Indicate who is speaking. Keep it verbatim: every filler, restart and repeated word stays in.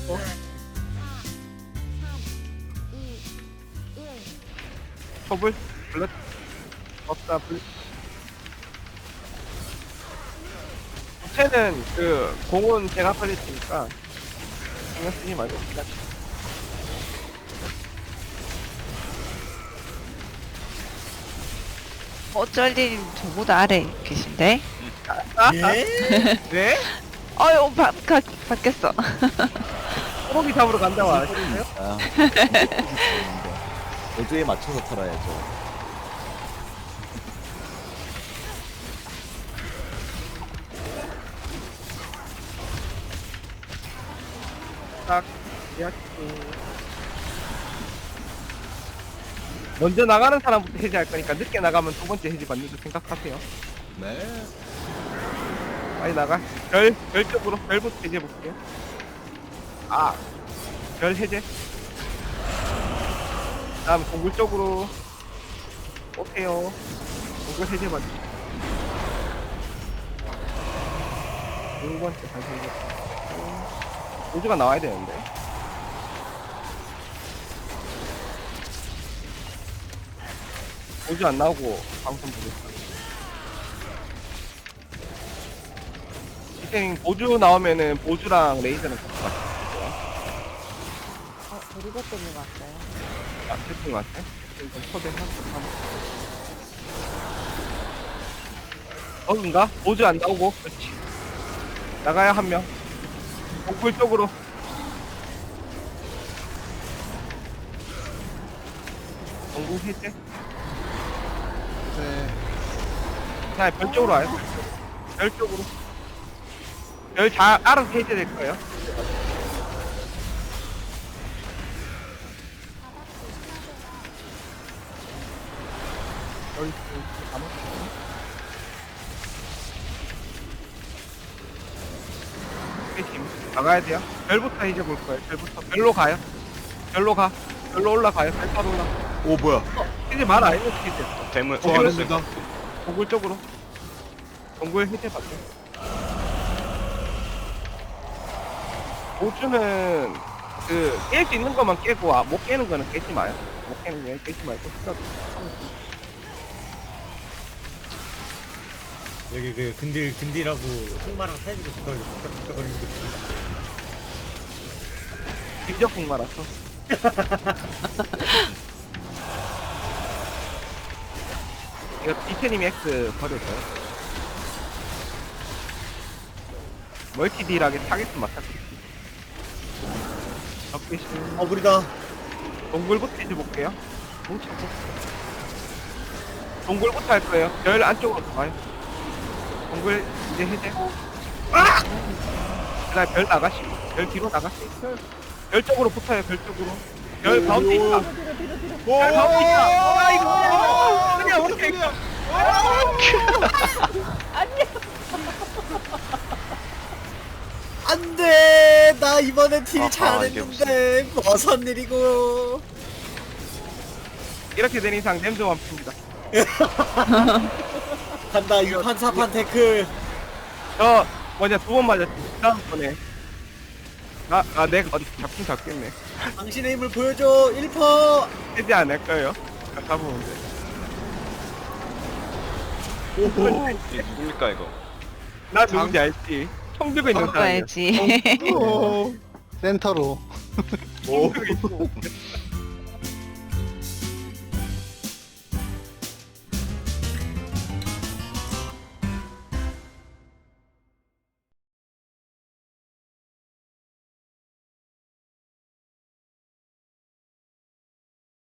Speaker 1: 초불 블랙 없다 불. 쟤는 그 공은 제가 걸렸으니까 신경 쓰지 말고 그냥
Speaker 2: 어쩔님 저보다 아래 계신데?
Speaker 3: 예?
Speaker 1: 네?
Speaker 2: 어휴, 바, 가, 바뀌었어.
Speaker 1: 소고기 잡으러 간다고 안 하셨어요?
Speaker 3: 아, 어제에 맞춰서 털어야죠.
Speaker 1: 딱 예약해. 먼저 나가는 사람부터 해지할 거니까 늦게 나가면 두 번째 해지 받는 줄 생각하세요.
Speaker 3: 네.
Speaker 1: 빨리 나가. 별, 별 쪽으로, 별부터 해제 볼게요. 아, 별 해제. 다음 동굴 쪽으로 오세요. 동굴 해제 받으시죠. 두 번째 다시 해제. 우주가 나와야 되는데. 우주 안 나오고 방송 보겠다. 이생 보주 나오면은 보주랑 레이저는 같이 맞춰요.
Speaker 4: 어, 데리고 때문에 왔어요.
Speaker 1: 아, 채팅 맞지? 채팅 좀 초대해서 한번. 어딘가? 보주 안 나오고. 그렇지. 나가야 한 명. 동굴 쪽으로. 동굴 해제.
Speaker 3: 네.
Speaker 1: 자, 별 쪽으로 와요. 별 쪽으로. 별 잘 알아서 해제될 거예요. 여기 가만. 나가야 돼요. 별부터 해제 볼 거예요. 별부터. 별로 가요. 별로 가. 별로 올라가요. 별 타러 올라.
Speaker 5: 오 뭐야?
Speaker 1: 해제 말 안 해도 해제.
Speaker 5: 대문
Speaker 1: 어,
Speaker 5: 대문
Speaker 1: 그렇습니다. 동굴 쪽으로. 동굴 해제 받죠. 보주는 그 깰 수 있는 것만 깨고 아, 못 깨는 거는 깨지 마요. 못 깨는 거 깨지 말고 스톱.
Speaker 6: 여기 그 근딜 근딜하고 흑마랑 사이즈가 뒷걸리 뒷걸리는 거
Speaker 1: 진적국 말았어. 이거 이태님이 X 버려줘요. 멀티딜하게 타겟 맞춰드릴게요. 적기신
Speaker 6: 어 무리다.
Speaker 1: 동굴부터 해줘 볼게요. 뭉치고. 동굴부터 할 거예요. 별 안쪽으로 들어가요. 동굴 이제 해제. 아! 그다음 별 나가시고. 별 뒤로 나가시고. 별, 별 쪽으로 붙어요. 별 쪽으로. 별 가운데 있다. 별 가운데 있다. 아 이거 뭐야? 그냥 어떻게 이거?
Speaker 6: 안돼. 나 이번에 딜
Speaker 5: 아하,
Speaker 6: 잘했는데 무슨 일이고?
Speaker 1: 이렇게 된 이상 냄새 완피입니다.
Speaker 6: 간다 유판 사판 태클.
Speaker 1: 저 뭐냐 두 번 맞았지. 다음번에. 아, 아, 내가 어디 잡긴 잡겠네.
Speaker 6: 당신의 힘을 보여줘. 일 퍼.
Speaker 1: 해지 안 할 거예요. 잡으면 돼.
Speaker 6: 오호.
Speaker 5: 이게 누굽니까 이거?
Speaker 1: 나 누군지 알지? 총 들고 있는 사람이야.
Speaker 2: 바꿔야지.
Speaker 7: 센터로.
Speaker 1: 총 들고 있고.